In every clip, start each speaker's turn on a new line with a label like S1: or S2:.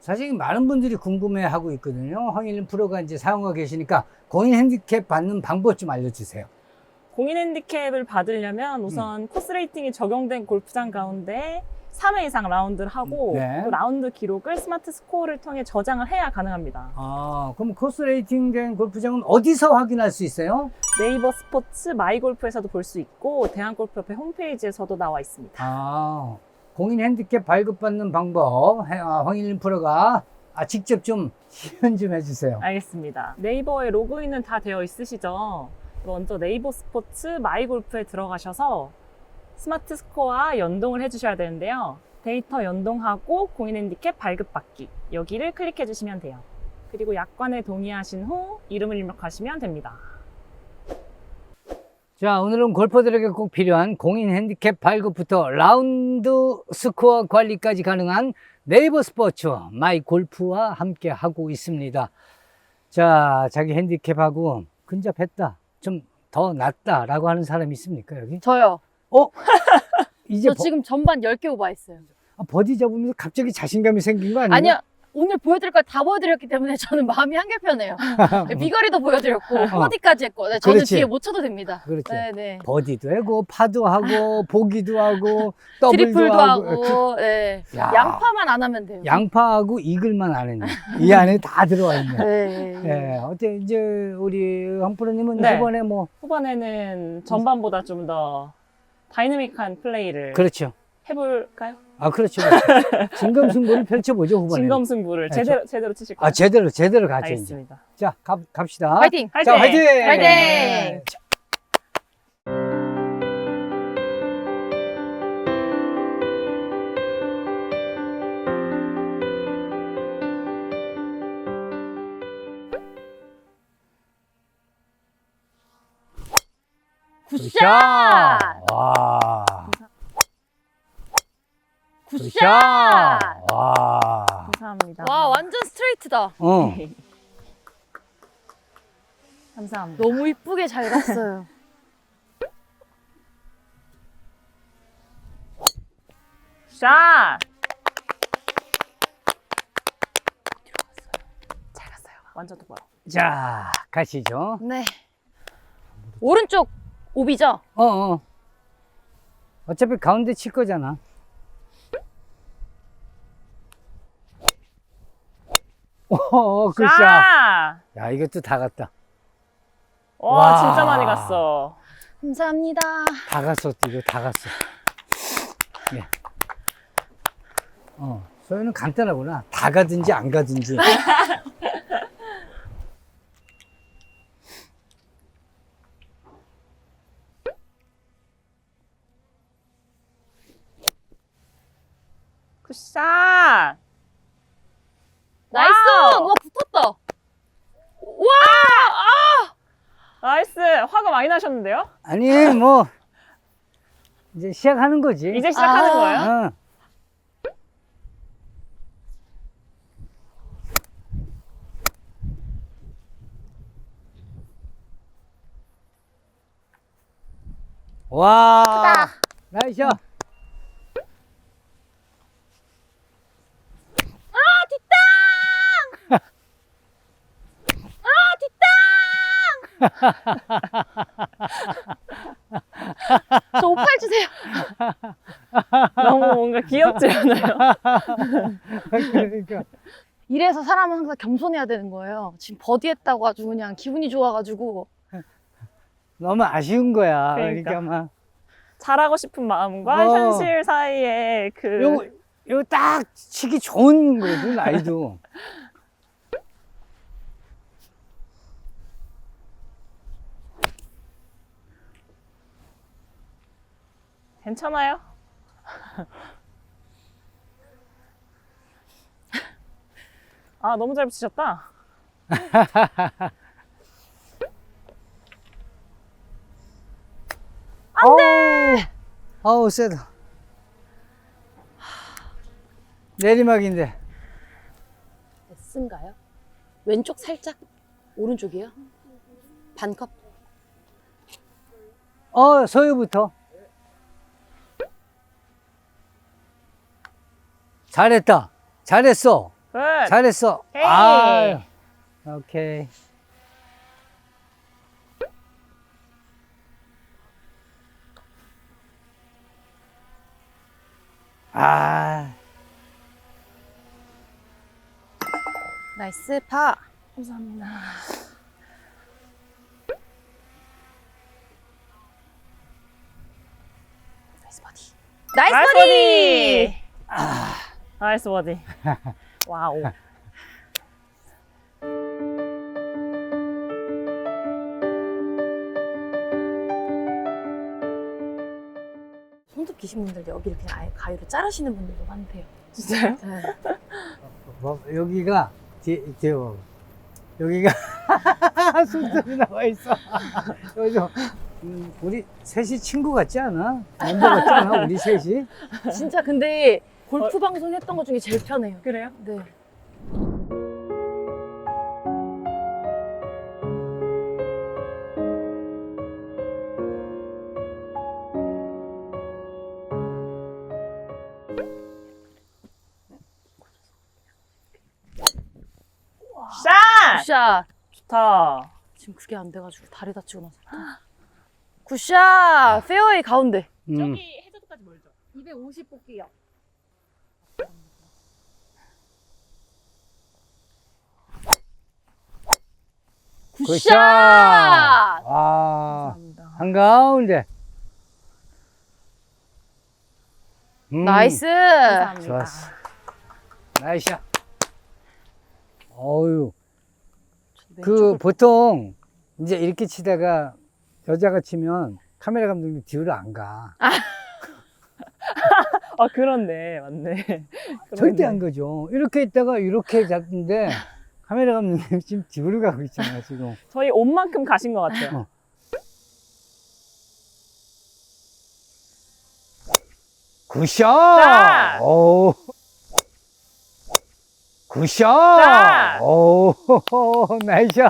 S1: 사실 많은 분들이 궁금해하고 있거든요. 황일림 프로가 이제 사용하고 계시니까 공인 핸디캡 받는 방법 좀 알려주세요.
S2: 공인 핸디캡을 받으려면 우선 코스 레이팅이 적용된 골프장 가운데 3회 이상 라운드를 하고
S1: 네.
S2: 그 라운드 기록을 스마트 스코어를 통해 저장을 해야 가능합니다.
S1: 아, 그럼 코스 레이팅 된 골프장은 어디서 확인할 수 있어요?
S2: 네이버 스포츠 마이골프에서도 볼 수 있고 대한골프협회 홈페이지에서도 나와 있습니다.
S1: 아, 공인 핸디캡 발급받는 방법 황일림 프로가 직접 좀 시연 좀 해주세요.
S2: 알겠습니다. 네이버에 로그인은 다 되어 있으시죠? 먼저 네이버 스포츠 마이골프에 들어가셔서 스마트 스코어와 연동을 해주셔야 되는데요. 데이터 연동하고 공인 핸디캡 발급받기 여기를 클릭해 주시면 돼요. 그리고 약관에 동의하신 후 이름을 입력하시면 됩니다.
S1: 자, 오늘은 골퍼들에게 꼭 필요한 공인 핸디캡 발급부터 라운드 스코어 관리까지 가능한 네이버 스포츠 마이 골프와 함께 하고 있습니다. 자, 자기 핸디캡하고 근접했다, 좀 더 낫다라고 하는 사람이 있습니까, 여기?
S3: 저요.
S1: 이제
S3: 저 지금 전반 10개 오버했어요.
S1: 버디 잡으면서 갑자기 자신감이 생긴 거 아니에요?
S3: 아니요. 오늘 보여드릴 걸 다 보여드렸기 때문에 저는 마음이 한결편해요. 비거리도 보여드렸고 버디까지 했고 저는
S1: 그렇지.
S3: 뒤에 못 쳐도 됩니다.
S1: 그렇지.
S3: 네네.
S1: 버디도 하고 파도 하고 보기도 하고 더블도
S3: 트리플도
S1: 하고
S3: 하고 네.
S1: 야.
S3: 양파만 안 하면 돼요.
S1: 양파하고 이글만 안 했네. 이 안에 다 들어와 있네.
S3: 네.
S1: 예, 어때 이제 우리 황프로님은
S2: 네.
S1: 이번에 뭐
S2: 후반에는 전반보다 좀 더 다이내믹한 플레이를
S1: 그렇죠.
S2: 해볼까요?
S1: 아 그렇죠. 그렇죠. 진검승부를 펼쳐보죠 후반에.
S2: 진검승부를
S1: 네,
S2: 제대로 치실 거예요?
S1: 제대로 가죠. 이제.
S2: 알겠습니다.
S1: 자 갑시다.
S3: 화이팅!
S1: 자 화이팅!
S3: 화이팅!
S1: 네. 자,
S3: 굿샷!
S1: 와.
S3: 굿샷!
S1: 와.
S2: 감사합니다.
S3: 와 완전 스트레이트다.
S2: 감사합니다.
S3: 너무 이쁘게 잘 갔어요.
S2: 샷! 잘 갔어요. 완전 똑바로.
S1: 자 가시죠.
S3: 네. 오른쪽 오비죠?
S1: 어차피 가운데 칠 거잖아. 굿샷.
S2: 샷!
S1: 야, 이것도 다 갔다.
S2: 와,
S1: 와.
S2: 진짜 많이 갔어.
S3: 감사합니다.
S1: 다 갔어, 이거 다 갔어. 예. 소연은 간단하구나. 다 가든지 안 가든지.
S2: 굿샷!
S3: 나이스!
S2: 와우!
S3: 와 붙었다. 와!
S2: 나이스! 화가 많이 나셨는데요?
S1: 아니, 뭐, 이제 시작하는 거지.
S2: 이제 시작하는
S3: 아.
S2: 거예요?
S1: 어. 와.
S3: 크다.
S1: 나이스.
S3: 저 오팔 주세요.
S2: 너무 뭔가 귀엽지 않아요?
S1: 그러니까.
S3: 이래서 사람은 항상 겸손해야 되는 거예요. 지금 버디했다고 아주 그냥 기분이 좋아가지고.
S1: 너무 아쉬운 거야.
S2: 그러니까.
S1: 그러니까 막.
S2: 잘하고 싶은 마음과
S1: 어.
S2: 현실 사이에
S1: 요거 딱 치기 좋은 거거든, 나이도.
S2: 괜찮아요? 아, 너무 잘 붙이셨다.
S1: 안 돼! 어우, 세다. 내리막인데.
S3: S인가요? 왼쪽 살짝? 오른쪽이요? 반컵?
S1: 서유부터. 잘했다. 잘했어.
S2: 굿.
S1: 잘했어.
S2: 헤이.
S1: 아, 오케이. 아,
S3: 나이스 파.
S2: 감사합니다.
S3: 나이스 버디. 나이스 버디.
S2: 나이스 버디. 와우.
S3: 손톱 기신 분들 여기를 그냥 아예 가위로 자르시는 분들도 많대요.
S2: 진짜요?
S3: 네.
S1: 뭐, 여기가 여기가 숨소리 나와 있어. 여기서 우리 셋이 친구 같지 않아? 멤버 같지 않아? 우리 셋이?
S3: 진짜 근데 골프 방송 했던 것 중에 제일 편해요.
S2: 그래요?
S3: 네.
S2: 샷!
S3: 굿샷.
S2: 좋다.
S3: 지금 그게 안 돼가지고 다리 다치고 나서. 굿샷. 페어웨이 가운데.
S2: 해저드까지 멀죠?
S3: 250 뽑기요. 굿샷.
S1: 아,
S2: 감사합니다.
S1: 한가운데.
S3: 나이스.
S2: 감사합니다.
S1: 좋았어. 나이스야. 어유, 그 보통 이제 이렇게 치다가 여자가 치면 카메라 감독님 뒤로 안 가.
S2: 아, 그렇네. 맞네.
S1: 절대
S2: 그렇네.
S1: 안 가죠. 이렇게 있다가 이렇게 잡는데 카메라 감독님 지금 뒤로 가고 있잖아, 지금.
S2: 저희 옷만큼 가신 것 같아요.
S1: 어. 굿샷!
S2: 자!
S1: 오. 굿샷!
S2: 자!
S1: 오, 나이샷!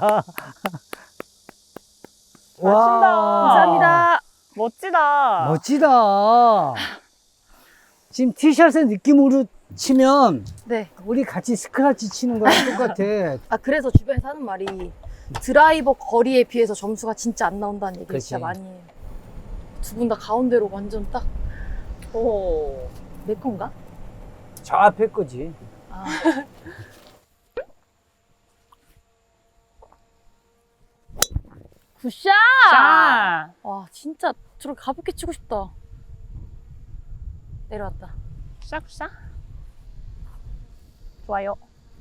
S2: 감사합니다. 멋지다.
S1: 멋지다. 지금 티샷의 느낌으로 치면
S3: 네.
S1: 우리 같이 스크래치 치는 거랑 똑같아.
S3: 아 그래서 주변에서 하는 말이 드라이버 거리에 비해서 점수가 진짜 안 나온다는 얘기
S1: 그치.
S3: 진짜 많이 해요. 두 분 다 가운데로 완전 딱 내
S2: 오.
S3: 건가?
S1: 저 앞에 거지.
S3: 아. 굿샷!
S2: 샷!
S3: 와 진짜 저렇게 가볍게 치고 싶다. 내려왔다.
S2: 샷. 좋아요.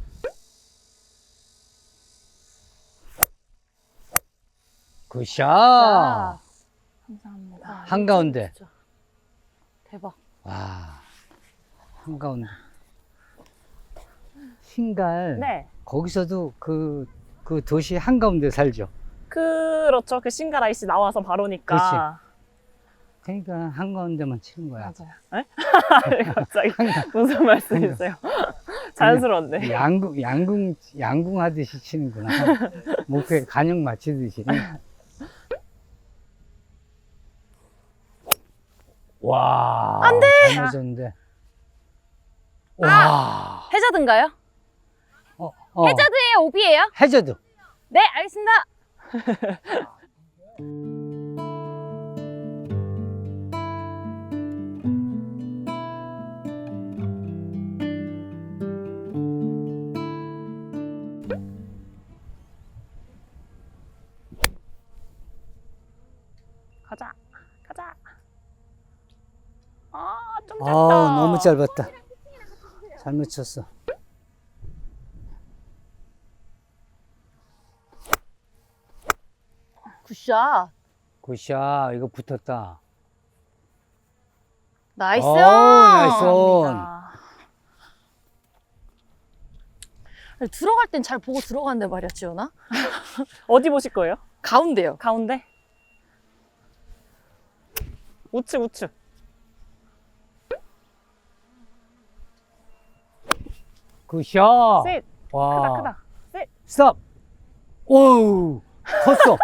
S1: 굿샷!
S3: 자,
S2: 감사합니다.
S3: 와,
S1: 한가운데.
S3: 진짜 대박.
S1: 와, 한가운데. 신갈.
S2: 네.
S1: 거기서도 그 도시 한가운데 살죠.
S2: 그렇죠. 그 싱가라이시 나와서 바로니까.
S1: 그러니까 한가운데만 치는 거야.
S2: 맞아요. 네? 갑자기 무슨 말씀이세요? 자연스러운데.
S1: 양궁 하듯이 치는구나. 목표에 간역 맞추듯이. 와.
S3: 안 돼!
S1: 잘 맞았는데. 와.
S3: 해저드인가요?
S1: 어.
S3: 해저드예요? 오비예요?
S1: 해저드.
S3: 네, 알겠습니다.
S2: 가자. 아, 좀 짧다.
S1: 너무 짧았다. 잘못 쳤어.
S3: 굿샷.
S1: 굿샷. 이거 붙었다.
S3: 나이스.
S1: 나이스 온.
S2: 감사합니다.
S3: 들어갈 땐 잘 보고 들어가는데 말이야, 지연아.
S2: 어디 보실 거예요?
S3: 가운데요.
S2: 가운데? 우측.
S1: 굿샷.
S2: 셋.
S1: 와.
S2: 크다. 셋.
S1: 스톱. 오우. 컸어.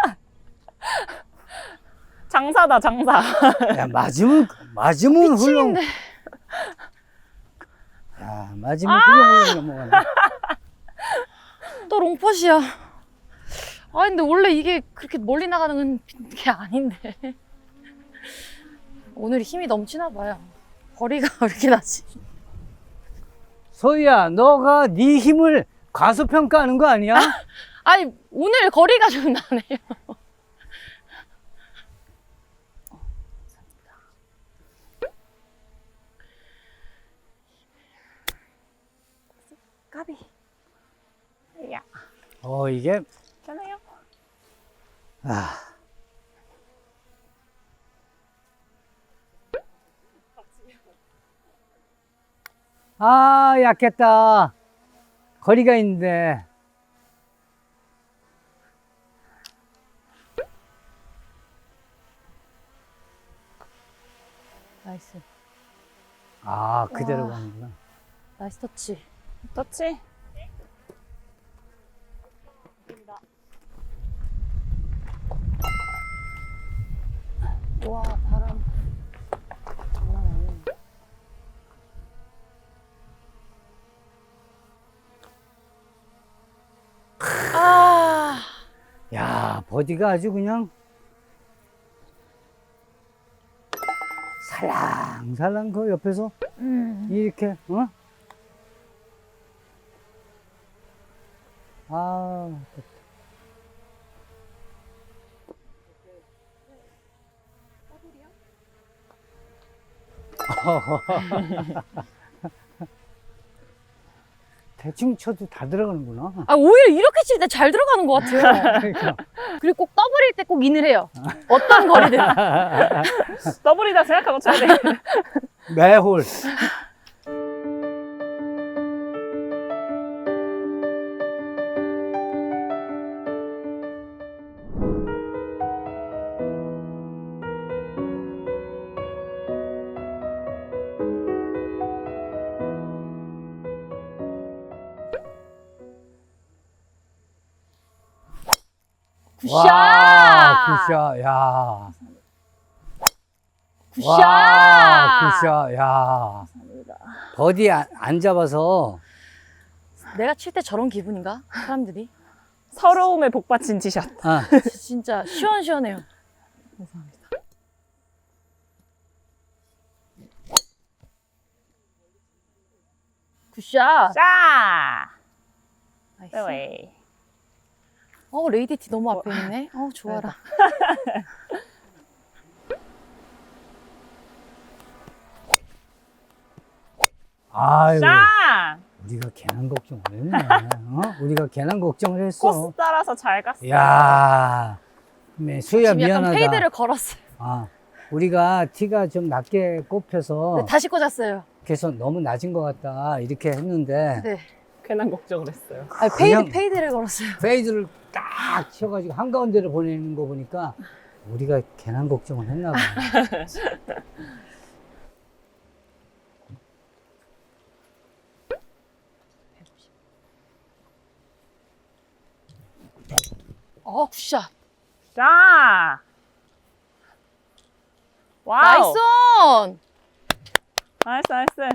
S2: 장사다, 장사.
S1: 야, 맞으면 훌렁.
S3: 미치겠네.
S1: 야, 맞으면 훌렁훌렁 넘어가네.
S3: 또 롱퍼시야. 아, 근데 원래 이게 그렇게 멀리 나가는 게 아닌데. 오늘 힘이 넘치나 봐요. 거리가 왜 이렇게 나지?
S1: 소희야, 너가 네 힘을 과소평가하는 거 아니야?
S3: 아니, 오늘 거리가 좀 나네요. 까비.
S2: 야,
S1: 이게
S2: 괜찮아요.
S1: 아. 아, 약했다. 거리가 있는데.
S3: 나이스.
S1: 아, 그대로
S3: 와.
S1: 가는구나.
S3: 나이스 터치.
S2: 터치.
S3: 와, 바람. 장난 아니네. 아,
S1: 야, 버디가 아주 그냥 살랑살랑 그 옆에서 이렇게, 어? 아, 대충 쳐도 다 들어가는구나.
S3: 아, 오히려 이렇게 칠 때 잘 들어가는 것 같아요.
S1: 그러니까.
S3: 그리고 꼭 더블일 때 꼭 인을 해요. 어떤 거리든.
S2: 더블이다 생각하고 쳐야 돼.
S1: 매홀.
S3: 굿샷!
S1: 와, 굿샷, 야.
S3: 굿샷!
S1: 와, 굿샷, 야. 버디 안 잡아서.
S3: 내가 칠 때 저런 기분인가? 사람들이?
S2: 서러움에 복받친 티샷.
S1: 아,
S3: 진짜 시원시원해요.
S2: 감사합니다.
S3: 굿샷!
S2: 자,
S3: 나이스.
S2: 페어웨이.
S3: 레이디티 너무 앞에 있네. 좋아라.
S1: 아유.
S2: 자,
S1: 우리가 괜한 걱정을 했네. 우리가 괜한 걱정을 했어.
S2: 코스 따라서 잘 갔어.
S1: 야, 수야
S3: 지금 약간
S1: 미안하다.
S3: 페이드를 걸었어요.
S1: 우리가 티가 좀 낮게 꼽혀서
S3: 네, 다시 꽂았어요.
S1: 그래서 너무 낮은 것 같다 이렇게 했는데
S3: 네.
S2: 괜한 걱정을 했어요.
S1: 그냥
S3: 페이드를 걸었어요.
S1: 페이드를 딱 치워가지고 한가운데를 보내는 거 보니까 우리가 괜한 걱정을 했나 봐.
S3: 굿샷.
S2: 자, 와우.
S3: 나이스 온!
S2: 나이스, 나이스.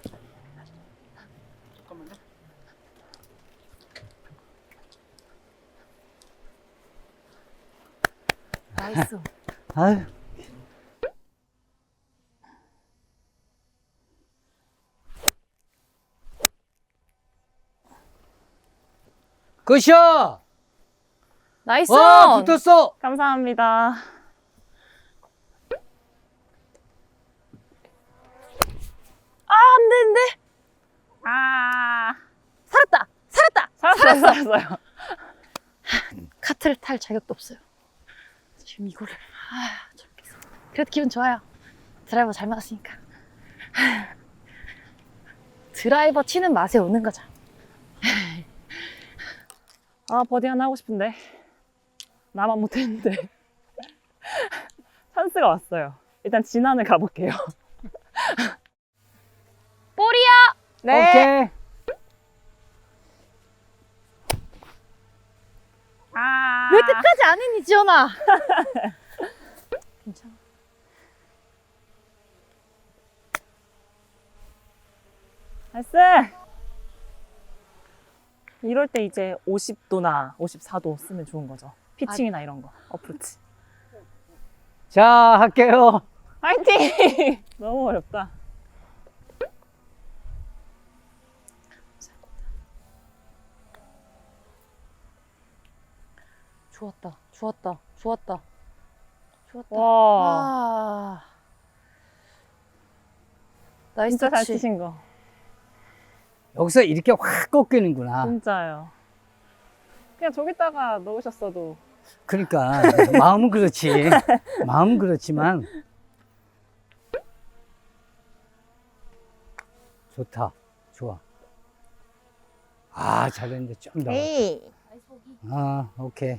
S3: 나이스.
S1: 아유. 굿샷!
S3: 나이스
S1: 와,
S3: 온!
S1: 붙었어!
S2: 감사합니다.
S3: 안 되는데?
S2: 아,
S3: 살았다! 살았다!
S2: 살았어요.
S3: 카트를 탈 자격도 없어요. 지금 이거를 저렇게 해서. 그래도 기분 좋아요. 드라이버 잘 맞았으니까. 드라이버 치는 맛에 오는 거죠.
S2: 아, 버디 하나 하고 싶은데. 나만 못했는데. 찬스가 왔어요. 일단 진안을 가볼게요.
S3: 볼이야!
S2: 네.
S1: 오케이.
S2: 아,
S3: 왜 끝까지 안 했니, 지연아? 괜찮아.
S2: 나이스. 이럴 때 이제 50도나 54도 쓰면 좋은 거죠. 피칭이나 이런 거, 어프로치.
S1: 자, 할게요.
S2: 화이팅! 너무 어렵다.
S3: 좋았다. 좋았다. 좋았다. 좋았다.
S2: 와,
S3: 아. 나이스
S2: 진짜 잘
S3: 터치.
S2: 치신 거.
S1: 여기서 이렇게 확 꺾이는구나.
S2: 진짜요. 그냥 저기다가 넣으셨어도.
S1: 그러니까 마음은 그렇지. 마음은 그렇지만 좋다. 좋아. 아, 잘했는데 좀 더.
S2: 에이.
S1: 아, 오케이.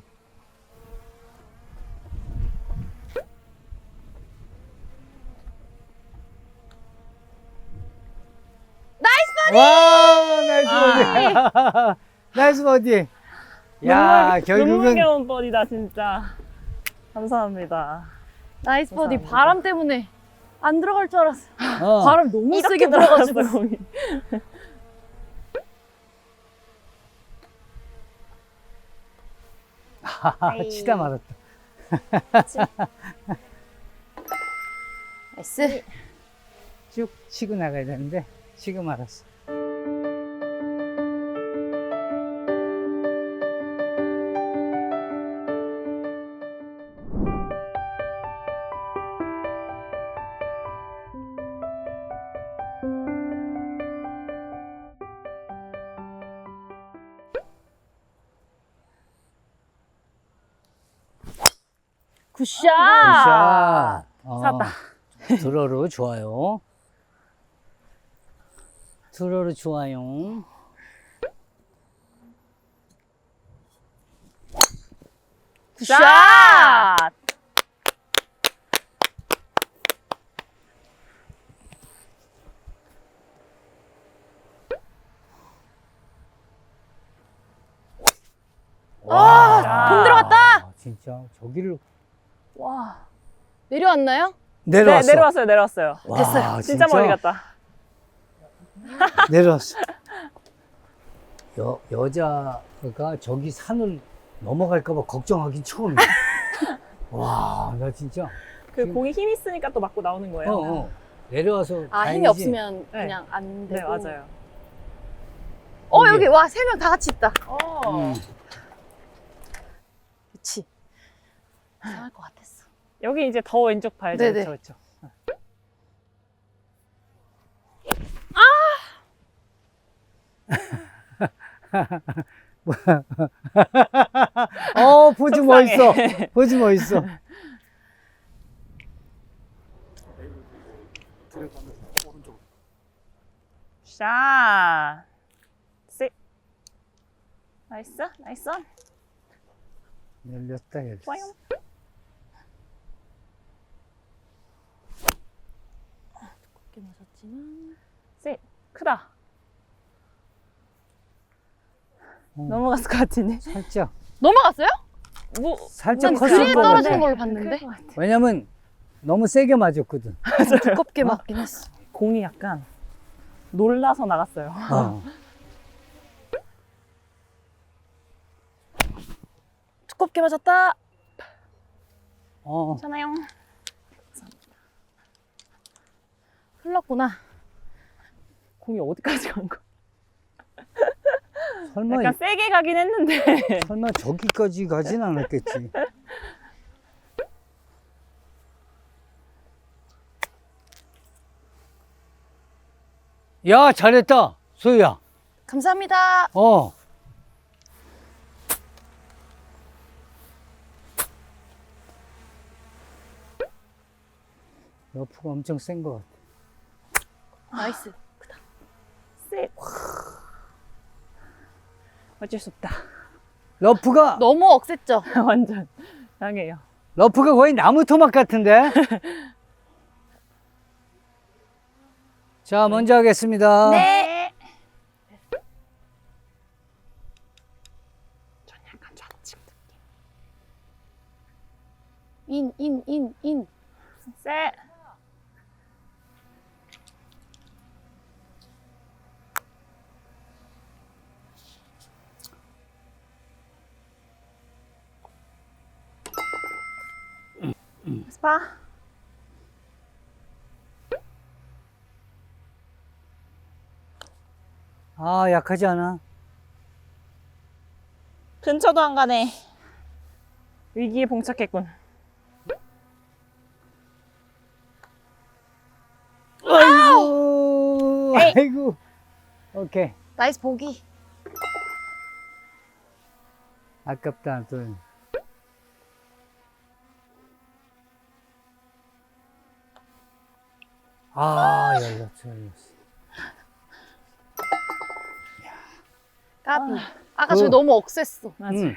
S1: 나이스 버디! 와, 나이스 버디. 나이스 버디. 야, 결국은
S2: 눈물겨운 버디다, 진짜. 감사합니다.
S3: 나이스 버디.
S2: 감사합니다.
S3: 바람 때문에 안 들어갈 줄 알았어.
S1: 어,
S3: 바람 너무 세게
S2: 이렇게 들어가지고.
S3: 불어가지고.
S2: 공이.
S1: 치다 말았다.
S3: 나이스.
S1: 쭉 치고 나가야 되는데 치고 말았어.
S3: 굿샷.
S1: 굿샷.
S2: 샀다.
S1: 드로우 좋아요. 드로우 좋아요.
S3: 굿샷. 공 들어갔다.
S1: 진짜 저기를
S3: 와. 내려왔나요?
S1: 내려왔어.
S2: 네, 내려왔어요, 내려왔어요.
S1: 와,
S3: 됐어요.
S2: 진짜 멀리 갔다.
S1: 내려왔어. 여자가 저기 산을 넘어갈까봐 걱정하긴 처음이야. 와, 나 진짜.
S2: 그 공이 힘 있으니까 또 맞고 나오는 거예요.
S1: 내려와서.
S3: 아, 힘이
S1: 다행이지.
S3: 없으면
S2: 네.
S3: 그냥 안 되고.
S2: 네, 맞아요.
S3: 여기 와, 3명 다 같이 있다.
S1: 음.
S3: 그치. 이상할 것 같았어.
S2: 여기 이제 더 왼쪽 봐야죠.
S3: 네네.
S2: 그렇죠, 그렇죠.
S1: 포즈
S2: 속상해.
S1: 멋있어. 포즈 멋있어.
S2: 샷. 셋. 나이스, 나이스.
S1: 열렸다, 열렸어.
S2: 좋아요.
S3: 두껍게 맞았지만.
S2: 셋. 크다.
S1: 어.
S2: 넘어갔을 것 같으네.
S1: 살짝.
S3: 넘어갔어요?
S2: 뭐,
S1: 살짝
S3: 난
S1: 컸을
S3: 그린
S1: 것
S3: 떨어지는
S1: 같아.
S3: 걸로 봤는데.
S2: 클것 같아.
S1: 왜냐면 너무 세게 맞았거든.
S3: 두껍게 맞긴 했어.
S2: 공이 약간 놀라서 나갔어요.
S1: 어.
S3: 두껍게 맞았다.
S2: 괜찮아요.
S3: 흘렀구나.
S2: 공이 어디까지 간 거야?
S1: 설마,
S2: 약간 세게 가긴 했는데.
S1: 설마 저기까지 가진 않았겠지. 야, 잘했다, 소유야.
S3: 감사합니다.
S1: 러프가 엄청 센 것 같아.
S3: 나이스.
S2: 셋. 어쩔 수 없다.
S1: 러프가,
S3: 너무 억셌죠?
S2: 완전 강해요.
S1: 러프가 거의 나무 토막 같은데? 자, 먼저 하겠습니다.
S3: 네.
S2: 전 약간 좌측.
S3: 인.
S2: 셋. 봐.
S1: 아, 약하지 않아?
S2: 근처도 안 가네. 위기에 봉착했군.
S1: 아이고,
S2: 에이.
S1: 아이고. 오케이.
S3: 나이스 보기.
S1: 아깝다, 또. 아, 열렸어, 열렸어.
S3: 까비. 아까 저
S1: 그-
S3: 너무 억셌어.
S2: 맞아.
S1: 음.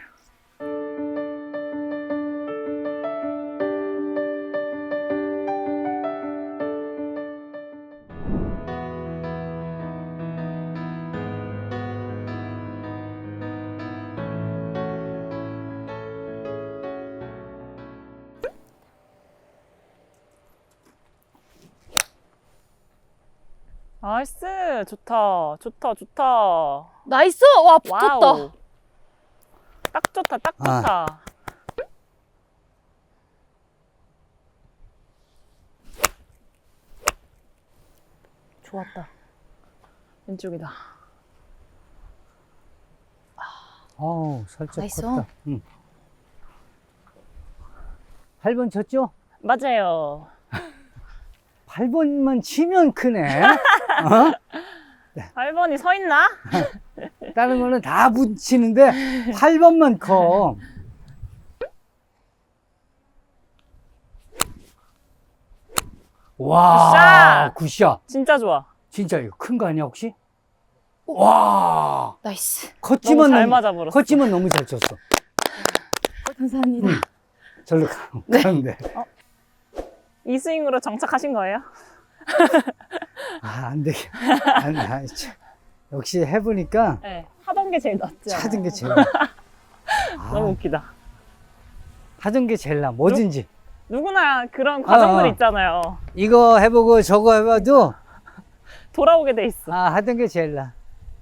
S2: 나이스. 좋다. 좋다. 좋다.
S3: 나이스. 와 붙었다.
S2: 와우. 딱 좋다. 딱
S1: 아.
S2: 좋다. 좋았다. 왼쪽이다.
S1: 어우, 살짝
S3: 나이스.
S1: 컸다. 8번 쳤죠?
S2: 맞아요.
S1: 8번만 치면 크네. 어?
S2: 8번이 서 있나?
S1: 다른 거는 다 붙이는데 8번만 커. 와, 굿샷.
S2: 진짜 좋아.
S1: 진짜 이거 큰 거 아니야, 혹시? 와,
S3: 나이스.
S1: 컸지만
S2: 너무 잘
S1: 너무,
S2: 맞아버렸어.
S1: 컸지만 너무 잘 쳤어.
S3: 감사합니다.
S1: 절로 가는데.
S2: 이 스윙으로 정착하신 거예요?
S1: 아, 안 되게. 역시 해보니까
S2: 네. 하던 게 제일 낫지. 않아요?
S1: 찾은 게 제일 나.
S2: 너무
S1: 아,
S2: 웃기다.
S1: 하던 게 제일 나. 뭐든지.
S2: 누구나 그런 과정들
S1: 어.
S2: 있잖아요.
S1: 이거 해보고 저거 해봐도
S2: 돌아오게 돼 있어.
S1: 하던 게 제일 나.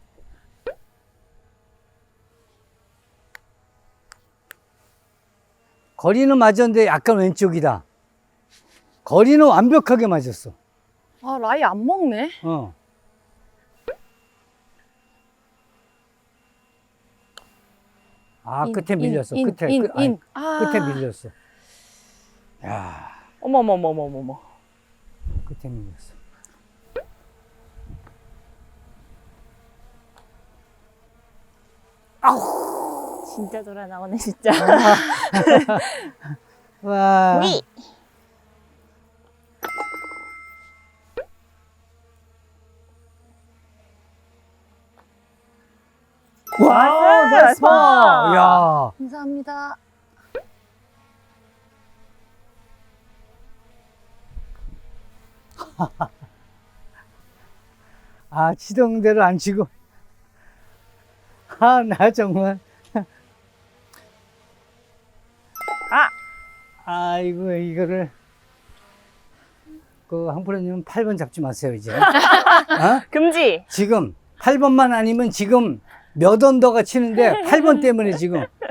S1: 거리는 맞았는데 약간 왼쪽이다. 거리는 완벽하게 맞았어.
S3: 아 라이 안 먹네.
S1: 어. 아, 끝에 밀렸어. 끝에.
S3: 인. 아.
S1: 끝에 밀렸어. 야,
S2: 어머머머머머머.
S1: 끝에 밀렸어.
S2: 진짜 돌아 나오네 진짜.
S1: 와.
S2: 위.
S1: 와,
S2: 나이스,
S1: 나이스 파.
S2: 나이스.
S1: 야.
S3: 감사합니다.
S1: 아, 치던 대로 안 치고. 아, 나 정말.
S2: 아.
S1: 아이고, 이거를. 그, 한프로님은 8번 잡지 마세요, 이제. 어?
S2: 금지.
S1: 지금 8번만 아니면 지금 몇 언더가 치는데 8번 때문에 지금